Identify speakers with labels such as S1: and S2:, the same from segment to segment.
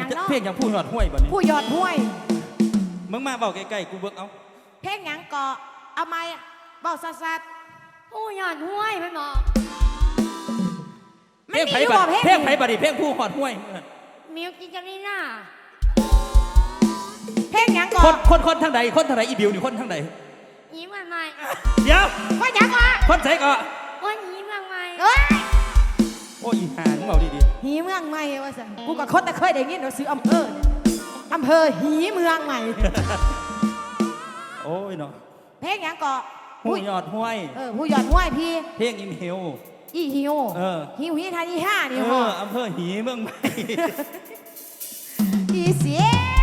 S1: ยังเนาะ
S2: เพลงอย่างผู้ยอดห้วยบ่นี้
S1: ผู้ยอดห้วย
S2: มึงมาเบาใกล้ๆกูเบิกเอา
S1: เพลงยังเกาะเอาไม้เบาสัด
S3: ผู้ยอดห้วยไม่บอก
S2: เพลงไผ่บัดเพลงไผ่บัดเพลงผู้ยอดห้วย
S3: มิวกินจารีน่า
S1: เพลงยังเกาะ
S2: คนทางใดคนทางใดอีบิวนี่คนทางใด
S3: ยิ้มใหม่
S2: เดี๋ยว
S1: ว่ายังวะ
S2: คนใส่ก็
S3: วันยิ้มใหม่
S1: เอ้ย
S2: โอ้ยหามึงเอาดี
S1: ๆหีเมืองใหม่ว่าสันกูกับคนแต่เคยได้ยินเราซื้ออำเภอหีเมืองใหม่
S2: โอ้ยเนาะ
S1: เพลงยังเกาะ
S2: ผู้ยอดห้วย
S1: ผู้ยอดห้วยพี่
S2: เพลงอิมเฮล
S1: อีฮิวฮิวทานีห้านี่ฮะ
S2: อำเภอหีเมืองใหม่
S1: อีเสีย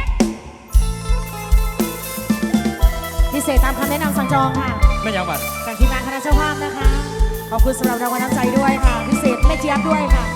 S1: พิเศษตามคำแนะนำสั่งจองค่ะ
S2: ไม่ยังบัด
S1: จากทีมงานคณะเจ้าภาพนะคะขอบคุณสำหรับรางวัลน้ำใจด้วยค่ะพิเศษแม่เจี๊ยบด้วยค่ะ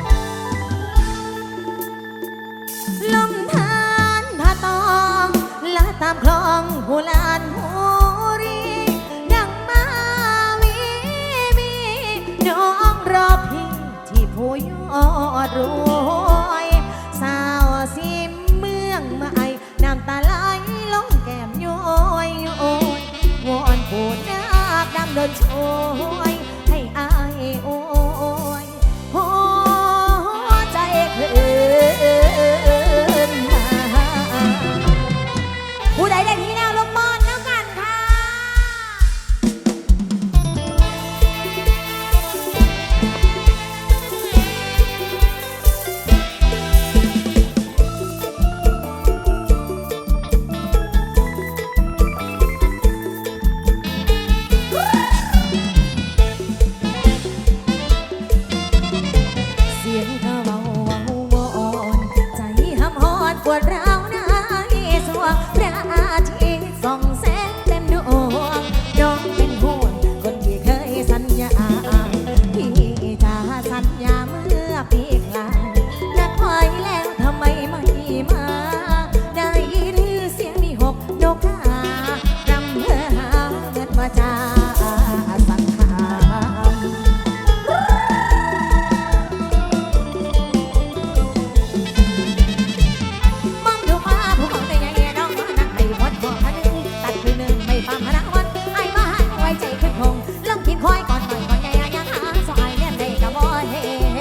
S1: ลมทานผาตองละตามคลองหูลานหูรีดังมาวีมีน้องรอพิงที่ผู้ยอดรวยสาวสิมเมืองมาไอน้ำตาไหลลงแก้มย้อยวอนผู้นักดำเดินช่วยให้อายโอ้ยหัวใจคืนมาผู้ใดได้ที่แนวลงบอลแล้วกันค่ะปวดร้าวในสวงพระอาทิตย์ส่องแสงเต็มดวงน้องเป็นห่วงคนที่เคยสัญญาที่จะสัญญาเมื่อปีกลายนัดไว้แล้วทำไมไม่มาได้ยินเสียงมีหกนกการำเพื่อหาเงินมาจ่าสังขารคอยก่อนหน่อยก่อนใหญ่ยังหาสายเลี้ยนได้กะบ่เห็น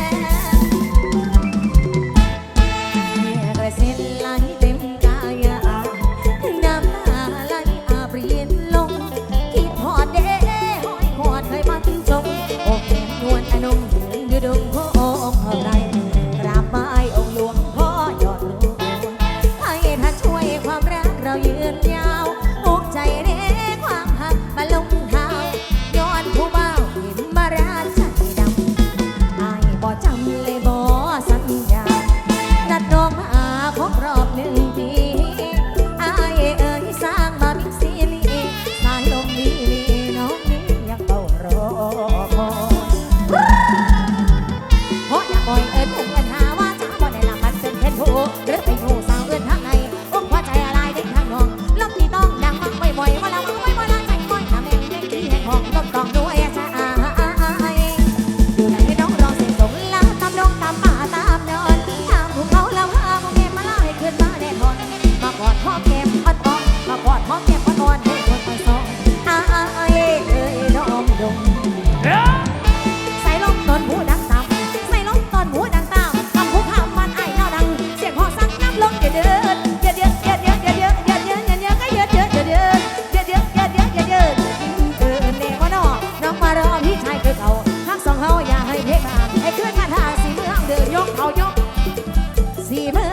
S1: กระเซ็นไหลเต็มกายน้ำตาไหลอาบเรียนลงคิดหอดเด้หอยหอดเคยมันจงอกแก้มนวลอนงยืนอยู่ดงโพองไรกราบไหว้องค์หลวงพ่อยอดรวยให้ท่านช่วยความรักเรายืนยาวอกใจเด้ความหักมาลงเท้าผู้บ่าวเห็นมาราใจดำอายบ่จำเลยบ่สัญญานัดน้องมาครบรอบ1 ปีอายเอ๋ยสร้างมามิกซีลีสายลมลีน้องนี้ยังเฝ้ารอคอยเพราะอยากบ่อยเอิญพุ่งเอิญหาว่าจะบ่ได้ละมันเป็นเพชรผู้หรือไปหูสาวเอิญทางในอกหัวใจอะไรได้ทางน้องลมที่ต้องดังมักบ่อยๆว่าแล้วมักบ่อยๆละใจบ่อยทำแม่งได้ที่ให้ของลมกองด้วยจ้าอยู่ไหนน้องรอเสียงส่งลาตามน้องตามป่าตามนอนตามภูเขาแล้วหาพวกเก็บมาเล่าให้ขึ้นมาแน่นอนมากอดพ่อเก็บอ่อนๆมากอดพ่อเก็บอ่อนๆให้คนไปสองเอ้ยน้องดงใส่ลมตอนหูดังต่ำใส่ลมตอนหูดังต่ำคำพูดข้ามมันไอ้เน่าดังเสียงหอสั่งน้ำลงเดือดเดือดเดือดเดือดเดือดเดือดเดือดเดือดเดือดเดือดเดือดเดือดก็เดือดเดือดเดือดเดือดเดือดเดือดเดือดเดือดเดือดเลยว่าน้องมารอพี่ชายคือเขาทั้งสองเขาอย่าให้เพลงมาให้ขึ้นมาทางสีเมืองเดือดยกเขายกสีเมื